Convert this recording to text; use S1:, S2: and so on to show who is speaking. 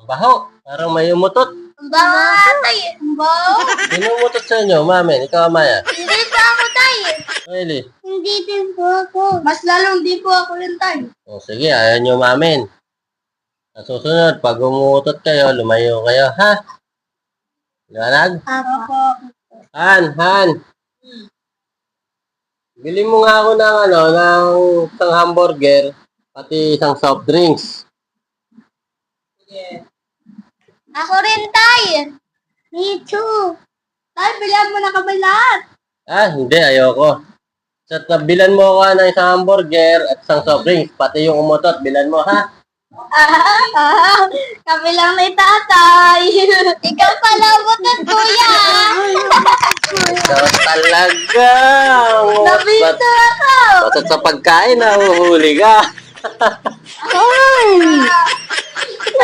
S1: Baho. Parang may umutot.
S2: Ang baho nga, tay. Ang baho.
S1: Sino umutot sa inyo, Mamen? Ikaw, Amaya?
S2: Hindi pa ako, tay.
S1: Really?
S2: Hindi din po ako. Mas lalong di po ako yun, tay.
S1: O, sige, ayaw nyo, Mamen. Sa susunod, pag umutot kayo, lumayo kayo, ha? Liwanag?
S2: Ako.
S1: Han. Bili mo nga ako ng ng isang hamburger, pati isang soft drinks.
S2: Ako rin, tay. Me too. Tay, bilhan mo na kami lahat.
S1: Ah, hindi, ayoko. Sa bilan mo ako ng isang hamburger at isang soft drinks, pati yung umutot, bilan mo, ha?
S2: Kami lang ni tatay. Ikaw pala umutot, kuya.
S1: Ikaw talaga.
S2: Nabito ako.
S1: Basta't sa pagkain, nahuhuli ka.
S2: Ay.